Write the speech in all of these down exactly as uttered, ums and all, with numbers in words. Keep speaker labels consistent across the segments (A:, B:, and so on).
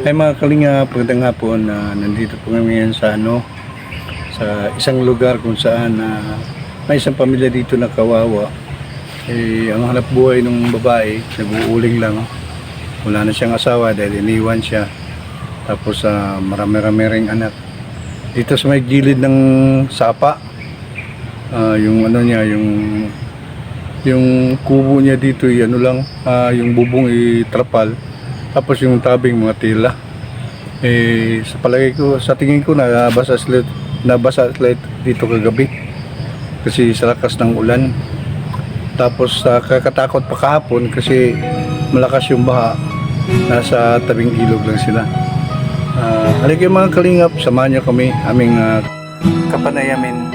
A: Ay mga kalinga, pagandang hapon na nandito po kami ngayon sa ano sa isang lugar kung saan na uh, may isang pamilya dito na kawawa. Eh, ang hanap buhay ng babae, nag-uuling lang. Wala na siyang asawa dahil iniwan siya. Tapos uh, marami-rami ring anak. Dito sa may gilid ng sapa, uh, yung ano niya, yung yung kubo niya dito, yung ano lang, uh, yung bubong itrapal. Tapos yung tabing mga tila. Eh, sa palagay ko, sa tingin ko, nabasa sila, nabasa sila dito kagabi. Kasi sa lakas ng ulan. Tapos uh, kakatakot pa kahapon kasi malakas yung baha. Nasa tabing ilog lang sila. Uh, halika mga kalingap, samahan niyo kami, aming uh, kapanayamin.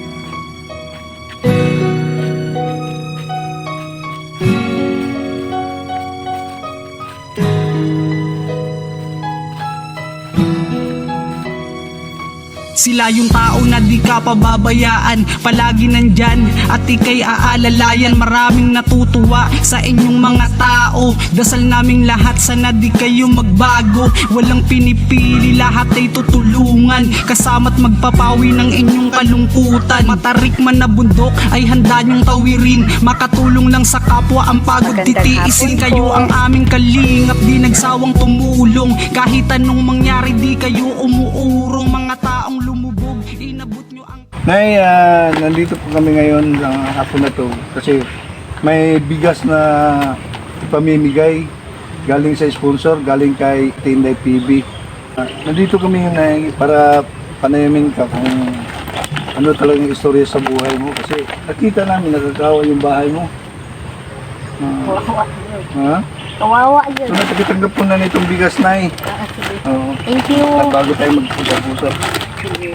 B: Sila yung tao na di ka pababayaan, palagi nandyan at ika'y aalalayan. Maraming natutuwa sa inyong mga tao, dasal naming lahat sana di kayo magbago. Walang pinipili, lahat ay tutulungan, kasama't magpapawi ng inyong kalungkutan. Matarik man na bundok ay handa nyong tawirin, makatulong lang sa kapwa ang pagod titiisin. Kayo ang aming kalingap, di nagsawang tumulong, kahit anong mangyari di kayo umuurong. Mga taong lumubog, inabot nyo ang...
A: Nay, uh, nandito po kami ngayon ng hapon na to kasi may bigas na ipamimigay galing sa sponsor, galing kay Tinday P B. Uh, nandito kami yun, Nay, para panayamin ka kung ano talagang istorya sa buhay mo kasi nakita namin nakakawa yung bahay mo. Uh,
C: Kawawa yun.
A: ha?
C: Kawawa yun.
A: So natakitanggap po na nitong bigas, Nay.
C: Ah, sige.
A: Oo.
C: Thank you.
A: At bago tayo mag-usap-usap.
C: Sige.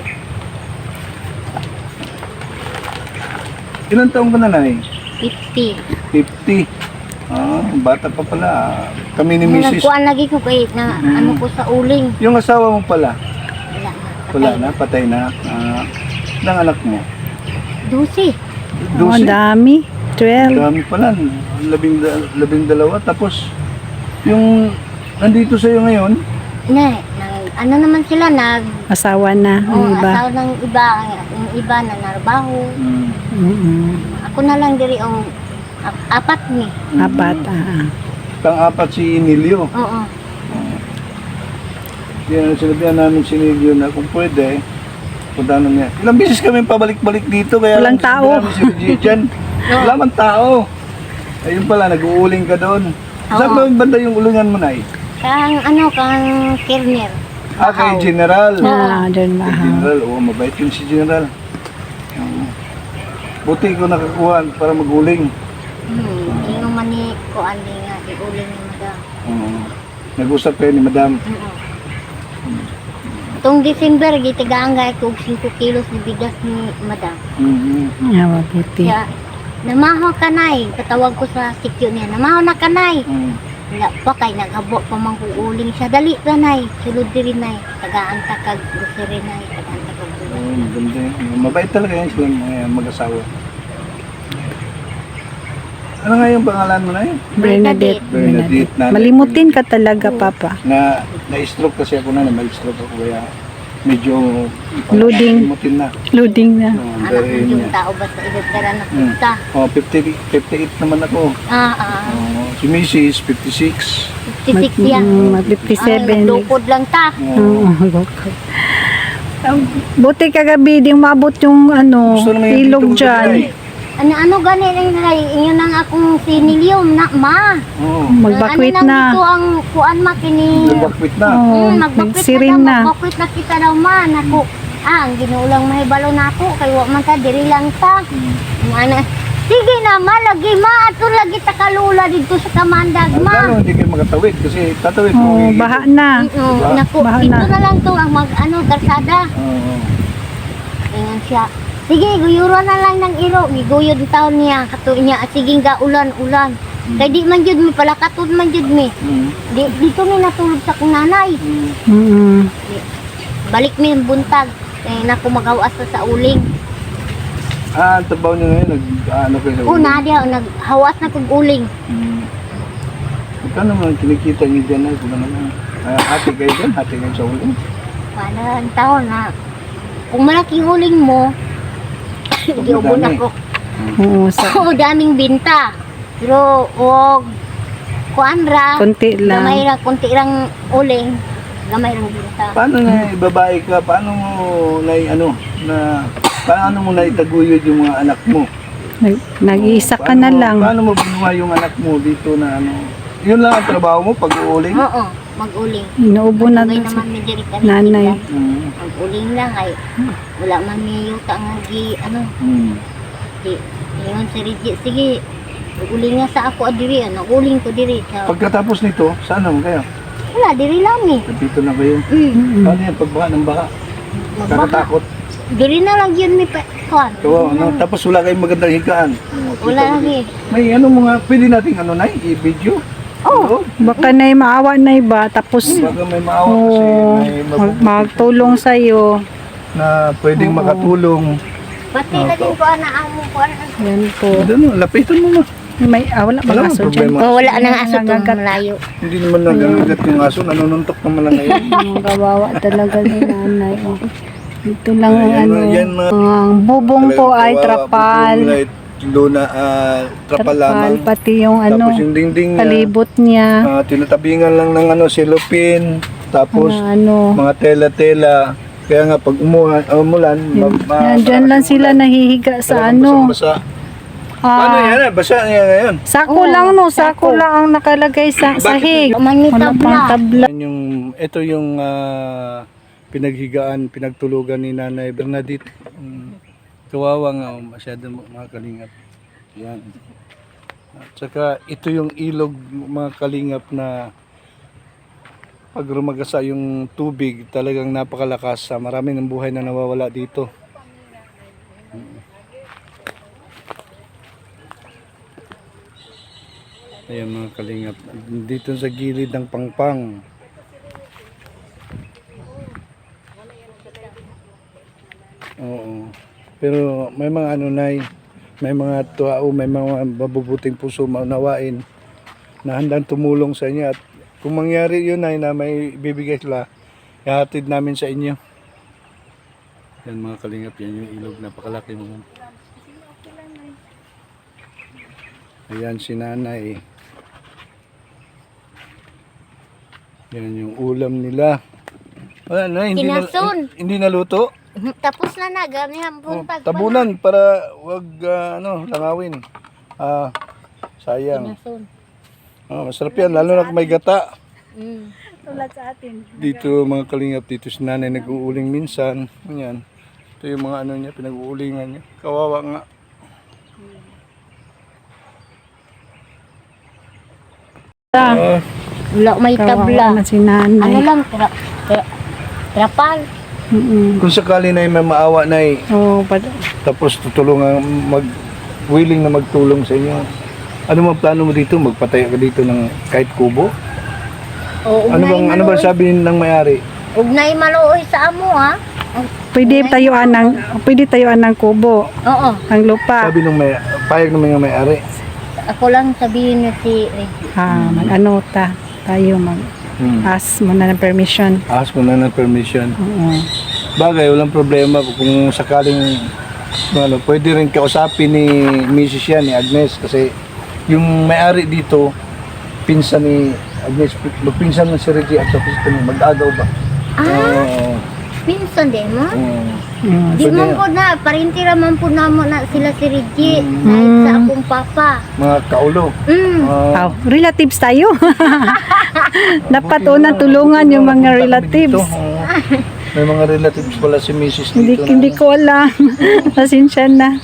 A: Ilan taong ka na, Nay?
C: fifty.
A: fifty. Ah, bata pa pala. Kami ni Missus
C: Nagkuhan lagi ko kay na
A: Mm.
C: ano ko sa uling.
A: Yung asawa mo pala,
C: Wala na.
A: wala
C: Patay.
A: na, patay na. Ah, ilang anak mo?
C: Dusi.
D: Oh,
A: Dosi?
D: dami. twelve.
A: Dami pala. Labing, da- labing dalawa. Tapos, yung nandito sa'yo ngayon,
C: Na, nang, ano naman sila nag
D: Asawa na.
C: oh,
D: Ang iba.
C: asawa ng iba, yung iba na narbaho.
A: mm,
D: Mm-mm.
C: Ako na lang diri ang ap- apat ni.
D: Apat. Ah.
A: pang-apat si Nilio.
C: Oo.
A: Yan, sinabihan namin si Nilio na kung pwede, punta na niya. Ilang beses kami pabalik-balik dito, kaya
D: Walang
A: lang
D: tao.
A: sinabi namin si Reggie dyan. Wala man tao. Ayun pala, nag-uuling ka doon. Saan ba
C: Oo.
A: yung banda yung ulingan mo, Nay?
C: Kang ano kang Kirner.
A: Ah, kay General.
D: Ah, doon
A: Kay
D: mahal.
A: General, oo, mabait yun si General. Oo. Buti ko nakakuha para maguling.
C: Hmm, ingon man ni ko ani nga di uling ni madam.
A: Oo. Nag-usap kayo ni Madam.
C: Oo. Itong December, gitigaan nga ko five kilos ni bigas ni madam.
A: Mhm.
D: Ah, mabuti.
C: Kaya, namahaw ka nay. Katawag ko sa sikyo niya, namahaw na ka nay.
A: Mm.
C: Wala pa kay naghabo pa mang uuling siya. Dali ka nay. Sulod diri nay. Tagaan ta kag grocery nay. Tagaan ta kag buwan.
A: Oo, maganda yun. Mabait talaga yan silang mga mag-asawa. Ano nga yung pangalan mo na yun?
D: Bernadette.
A: Bernadette. Nanay.
D: Malimutin ka talaga, Papa.
A: Na, na-stroke kasi ako na, may stroke ako kaya medyo
D: Loading.
A: Mutin na.
D: Loading na.
A: Oo,
C: Anak
A: very
C: mo
A: yun
C: yung
A: yan.
C: tao ba sa ibigara na
A: Mm.
C: punta.
A: Oh, fifty, fifty-eight naman ako.
C: Ah, ah.
A: Oh, si Missus fifty-six.
C: fifty-six yan.
D: Mm,
C: Ay,
D: fifty-seven.
C: nagdukod lang ta.
A: Oh,
D: Oo, loko. Ah, buti kagabi, di umabot yung ano,
A: gusto naman yung
D: ilog
A: dito
D: dyan.
A: magdalay.
C: Ano ano gani lang nay inyo nang akong sinilium na ma.
A: Oo.
D: Magbakwit
C: ano
D: na.
C: Dito ang kuan ma kini.
A: Nagbakwit na.
D: Oo,
C: Hmm, magbakwit
D: nagsirin
C: na.
D: na.
C: daw, Magbakwit na kita daw ma. Naku, ah, ang ginulang mahibalo nako kay wa man ta diri lang ta.
A: Hmm.
C: Ana. Sige na ma, lagi ma ato lagi ta kalula dito sa kamandag
A: Lalo
C: ma.
A: hindi kayo magatawid kasi tatawid
D: Oh,
A: mo.
D: baha na.
C: Oo, naku,
D: Bahala.
C: ito na lang to ang mag ano karsada.
A: Oo.
C: Ingon siya. Sige, guyuran na lang ng iro. Giguyod ang taon niya. Kato niya, sige nga, ulan, ulan.
A: Hmm.
C: Kaya di man jud mi, palakatod man jud mi.
A: Mm.
C: Di, dito mi natulog sa kong nanay.
A: Mm.
D: Mm-mm.
C: Balik mi yung buntag. Kaya na ko magawas sa uling.
A: Ah, ang tabaw niyo ngayon, nag, ah, ano kayo sa
C: Oo,
A: ulo?
C: na diya, naghawas na kong uling.
A: Mm. Magkano naman kinikita niyo dyan na? Kung ano naman? Ah, hati kayo dun, hati kayo sa uling.
C: Paano ang taon na kung malaking huling mo, hindi ubon
A: Madami.
C: ako.
D: Oo, sa
C: Oo, daming binta. Pero, huwag kuanra,
D: konti
C: gamay
D: lang.
C: ra, kunti rang uling, gamay rang binta.
A: Paano na babae ka? Paano mo na ano na paano mo na itaguyod yung mga anak mo?
D: Nag, nag-iisa ka
A: Paano
D: na
A: mo-
D: lang.
A: Paano mo binuhay yung anak mo dito na ano? Yun lang ang trabaho mo pag-uuling?
C: Oo, mag-uling.
D: Inuubo na
C: Sabay
D: to si
C: naman may diri ka
D: nanay.
A: Mm.
C: Mag-uling lang ay wala man may yuta nga gi ano,
A: Mm.
C: di yun si Reggie, sige. Uling nga sa ako diri, ano, uling ko diri sa
A: Pagkatapos nito, saan naman kayo?
C: wala diri lang eh.
A: Dito na kayo.
C: Mm.
D: Mm.
A: Paano yan? Pagbaha ng baha?
C: Magbaha.
A: Kakatakot.
C: Diri na lang yun may pa. Kuan.
A: So, ano, tapos wala kayong magandang higaan.
C: Wala lang eh.
A: May ano mga, pwede nating ano na, i-video.
C: Oh.
D: Baka na maawa na iba, tapos
A: Baka may maawa kasi
D: oh,
A: may
D: mag,
A: mabubuti
D: magtulong sa'yo.
A: na pwedeng
D: Oo.
A: makatulong.
C: Pati na din ko ana amo ko ana.
D: Yan po.
A: Ano, lapitan mo na.
D: May, ah, wala
A: Wala
D: bang aso
A: problema.
D: dyan?
C: Oh, wala nang aso tong
D: Nangangagat.
C: malayo.
A: Hindi naman nagagat yung aso, nanununtok naman lang ngayon.
D: Ang kawawa talaga ni nanay. Oh. Ito lang ang
A: Ayan,
D: ano.
A: yan, mga-
D: Ang bubong po
A: Talagang
D: ay
A: kawawa,
D: trapal.
A: bubong light, luna, ah, trapal lamang.
D: Pati yung ano,
A: Tapos yung dingding niya,
D: palibot niya.
A: ah, tinatabingan lang ng ano, cellophane. Tapos
D: Na ano.
A: mga tela-tela. Kaya nga pag umulan, umulan, ma- ma-
D: Yan, dyan lang sila nahihiga sa
A: talagang
D: ano.
A: basang-basa. Paano
D: Ah,
A: yan? ah? Basa niya ngayon.
D: sako
C: Oo,
D: lang no,
C: sako.
D: sako lang ang nakalagay sa sahig.
C: Man may
D: Wala pang
C: tabla.
D: tabla.
A: Yan yung, ito yung ah, pinaghigaan, pinagtulugan ni Nanay Bernadette. Um, kawawa nga, oh, masyado mga kalingap. Yan. At saka ito yung ilog mga kalingap na pag rumagasa yung tubig talagang napakalakas. Ah, marami ng buhay na nawawala dito. Ayan mga kalingap. Dito sa gilid ng pangpang. Oo. Pero may mga ano nay, may mga tao, may mga mabubuting puso maunawain na handang tumulong sa inyo at kung mangyari yun ay na may bibigay sila, ihatid namin sa inyo. Yan mga kalingap, yan yung ilog, napakalaki mo. Ayan si nanay. Yan yung ulam nila. Wala na, hindi na,
C: Kinason.
A: hindi naluto.
C: Tapos na na gami
A: Oh,
C: hambon pag
A: tabunan para wag ah, ano, langawin. Ah, sayang.
C: Kinason.
A: Oh, masarap yan, lalo na kung may gata.
C: Mm.
D: Tulad sa atin.
A: Dito mga kalingap, dito si nanay nag-uuling minsan. Yan. Ito yung mga ano niya, pinag-uulingan niya. Kawawa nga. Ah,
C: Wala may tabla.
D: Kawawa na si
C: Ano
D: nanay.
C: lang tra, tra, trapal.
D: Mm-mm.
A: kung sakali na may maawa na
D: Oh, pad-
A: tapos tutulungan mag willing na magtulong sa inyo. Ano mga plano mo dito? Magpatayo ka dito ng kahit kubo?
C: O
A: Ano bang ano ba sabi ng may-ari?
C: Ugnay maluoy sa amo ha.
D: pwede tayuan ng pwede tayuan ng kubo,
C: Oo.
D: ng lupa.
A: Sabi ng may payag ng mga may-ari.
C: Ako lang sabihin niya si Reggie.
D: Ah, mag-ano ta tayo mag
A: Hmm.
D: ask muna ng permission.
A: Ask mo na ng permission.
D: Oo.
A: Bagay, walang problema kung sakaling ano, pwede rin kausapin ni Missus yan, ni Agnes, kasi yung may-ari dito, pinsan ni Agnes, magpinsan ng si Reggie at tapos ito mag-agaw ba?
C: Ah,
A: Oo.
C: pinsan din mo?
A: Oo.
D: Mm.
C: Di
A: Pwede
C: man
A: yan.
C: po na, parintira man po na mo na sila si Reggie.
A: Mm.
C: Dahil sa akong papa.
A: Mga kaulo.
C: Mm.
A: Ah,
D: Oh, relatives tayo. Dapat unang tulungan yung mga relatives.
A: Dito, oo. May mga relatives pala si Missus
D: Hindi
A: dito.
D: hindi
A: na,
D: ko alam. Pasensya na.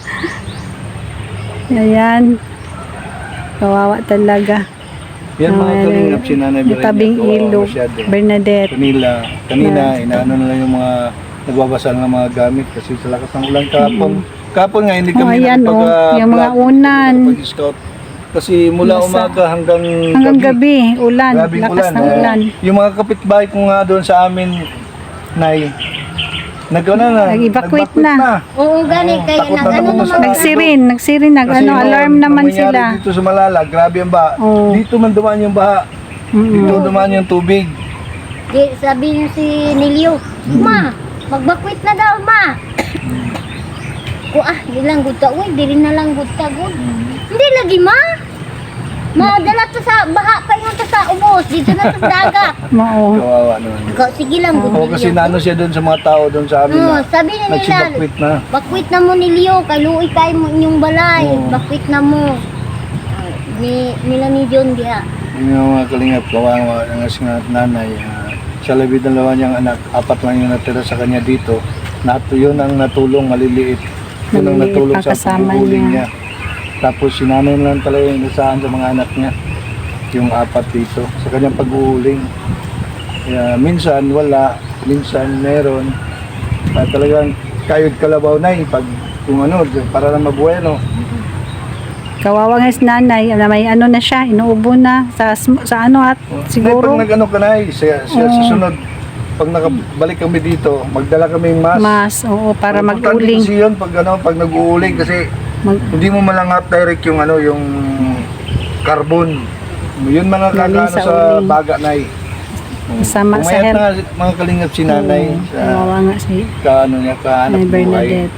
D: Ayan. Kawawa talaga.
A: yan mga
D: Ah,
A: kalingap si Nanay
D: Yung
A: Berenia.
D: tabing
A: kawawa
D: ilog.
A: masyado.
D: Bernadette.
A: Kanila, kanina, inaano na lang yung mga nagbabasa ng mga gamit kasi sa lakas ng ulan kahapon. Kahapon nga, hindi
D: Oh,
A: kami
D: ayan,
A: nakapag,
D: oh,
A: ah,
D: yung mga
A: vlog,
D: unan.
A: nakapag-scout. Kasi mula
D: Basa.
A: umaga hanggang,
D: Hanggang gabi, ulan.
A: grabing
D: Lakas ng
A: eh.
D: ulan.
A: Yung mga kapitbahay ko nga doon sa amin, Nay, nag, ano na,
D: Nag-evacuate
A: nag-evacuate
D: na.
C: Oo, gani.
A: Oo,
C: Kaya
A: takot
C: nag
A: na
C: ano
A: takot na
C: naman.
A: sa-
D: Nagsirin, nagsirin, nag
A: Kasi
D: ano,
A: noon,
D: alarm
A: nung
D: naman
A: nangyari
D: sila.
A: Dito sa Malala, grabe ang baha.
D: Oo.
A: Dito man dumaan yung baha.
D: Mm-mm.
A: Dito dumaan yung tubig.
C: Di, sabi niya si Nilio, ma, magbakwit na daw, ma. Ko ah, di lang gud ta, uy, diri na lang gud ta gud. Hindi lagi, ma. Madala to sa baha pa yung to sa ubos, dito na sa dagat.
D: Mao.
A: Kawawa naman.
C: Ikaw, sige lang, gud
A: Oo, kasi nano siya doon sa mga tao doon sa amin
C: Oo,
A: na
C: sabi na nila,
A: nagsibakwit na.
C: bakwit na mo ni Leo, kay luoy kay mo inyong balay,
A: Oo.
C: bakwit na mo. Ah, Ni nila ni John diha.
A: Yung mga kalingap, kawawa ng asing at nanay. ah, sa labid ng lawa niyang anak, apat lang yung natira sa kanya dito. Nato, yun ang natulong, maliliit. Yun ang
D: Maliliit
A: natulong
D: pa
A: sa
D: kasama
A: paghuhuling
D: niya.
A: niya. Tapos si nanay lang talaga yung inasahan sa mga anak niya. Yung apat dito, sa kanyang paghuhuling. Kaya minsan wala, minsan meron. Ah, talagang kayod kalabaw na eh, pag kung ano, para na mabuhay, no?
D: Kawawa nga si nanay, na may ano na siya, inuubo na sa sm- sa ano at siguro
A: Pag nag-ano ka na eh, sa, sa, sa
D: Oo.
A: sunod, pag nakabalik kami dito, magdala kami ng mas.
D: mas, oo, para
A: Importante
D: mag-uling.
A: kasi yun pag ano, pag nag-uuling kasi
D: Mag,
A: hindi mo malangat direct yung ano, yung carbon. Yun mga
D: Galing
A: kakano
D: sa
A: sa,
D: uling.
A: baga na eh.
D: Kasama sa
A: Umayat
D: health.
A: na nga mga kalingap si nanay
D: Oo,
A: sa
D: kawawa nga si
A: kaano niya, kahanap
D: Nay
A: buhay.
D: Bernadette.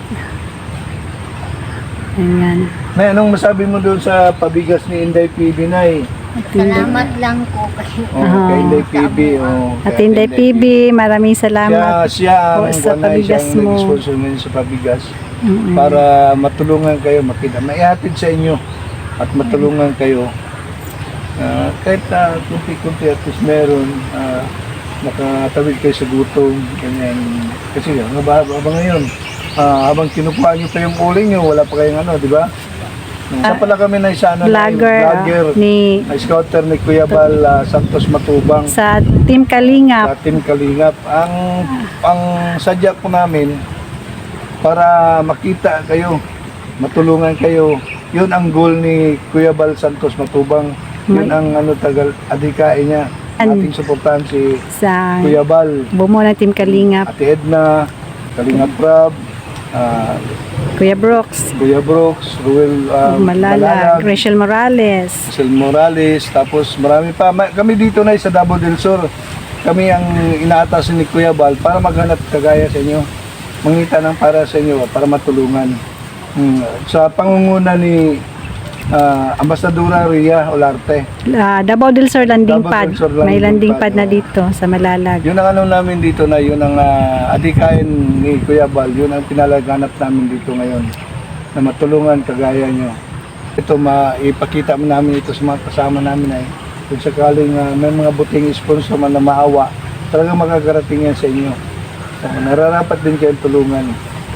D: Ayan.
A: Nay, anong masabi mo doon sa pabigas ni Inday P B, Nay?
C: Salamat lang ko kasi
A: Oh,
D: Ah.
A: kay Inday P B. Oh,
D: At
A: kay
D: Inday P B, maraming
A: Siya,
D: salamat
A: siya ang
D: po sa
A: buwan na
D: pabigas
A: siyang
D: mo.
A: nag-sponsor ngayon sa pabigas.
D: Mm-mm.
A: Para matulungan kayo, makita, maihatid sa inyo at matulungan kayo. Ah, kahit na kunti-kunti at least meron, ah, nakatawid kayo sa gutom, ganyan. Kasi nga, habang ngayon, ah, habang kinukuha nyo pa yung uling nyo, wala pa kayong ano, di ba? Isa pala kami na isa, ano, na yung
D: Vlogger ah,
A: vlogger,
D: ni
A: na scouter ni Kuya Bal ah, Santos Matubang
D: sa Team
A: sa
D: Kalingap.
A: Team Kalingap. Ang ang sadya po namin para makita kayo, matulungan kayo. Yun ang goal ni Kuya Bal Santos Matubang. Yun
D: May-
A: ang ano tagal adikain niya.
D: An-
A: Ating suportahan si
D: Sa
A: Kuya Bal,
D: bumuo ng Team Kalingap,
A: Ate Edna, Kalingap Rab, ah,
D: Kuya Brooks,
A: Kuya Brooks, Ruel ah,
D: Malala,
A: Malalag,
D: Rachel Morales.
A: Sel Morales, tapos marami pa. Ma- Kami dito na sa Davao del Sur, kami ang inaatas ni Kuya Bal para maghanap kagaya sa inyo. Mangita ng para sa inyo, para matulungan. Hmm. Sa pangunguna ni ah, Ambasadora Ria Olarte.
D: Ah, Davao del Sur landing
A: Davao
D: pad.
A: del Sur
D: May
A: landing
D: landing pad
A: pad,
D: na
A: oo.
D: dito sa Malalag.
A: Yun ang ano namin dito na, yun ang ah, adikain ni Kuya Bal, yun ang pinalaganap namin dito ngayon. Na matulungan kagaya nyo. Ito, maipakita mo namin ito sa mga kasama namin ay kung sakaling ah, may mga buting sponsor man na maawa, talagang makakarating yan sa inyo. Uh, nararapat din kayong tulungan.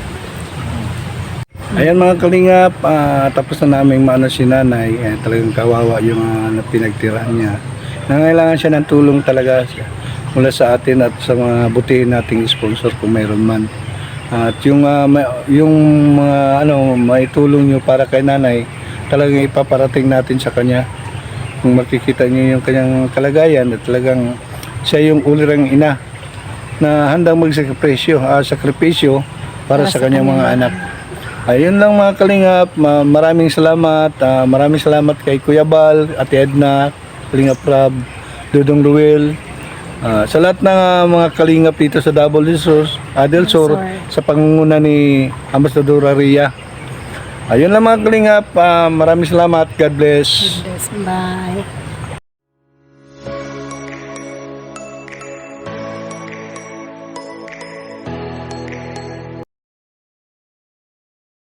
A: Ayan mga kalingap, ah, tapos na namin maano si nanay, eh, talagang kawawa yung uh, pinagtirahan niya. Nangailangan siya ng tulong talaga siya, mula sa atin at sa mga butihin nating sponsor kung mayroon man. At yung, ah, may- yung mga ano, may tulong nyo para kay nanay, talagang ipaparating natin sa kanya. Kung makikita niyo yung kanyang kalagayan at talagang siya yung ulirang ina na handang magsakripisyo, ah, sakripisyo para,
D: Para
A: sa
D: sa
A: kanyang
D: kanya.
A: mga anak. Ayun lang mga kalingap, Ma- maraming salamat. ah, maraming salamat kay Kuya Bal, Ate Edna, Kalingap Rab, Dudong Ruel. ah, sa lahat ng ah, mga kalingap dito sa Davao del Sur, ah, del Sur, sa pangunguna ni Ambasadora Ria. Ayun lang mga kalingap, ah, maraming salamat. God bless.
D: Bye.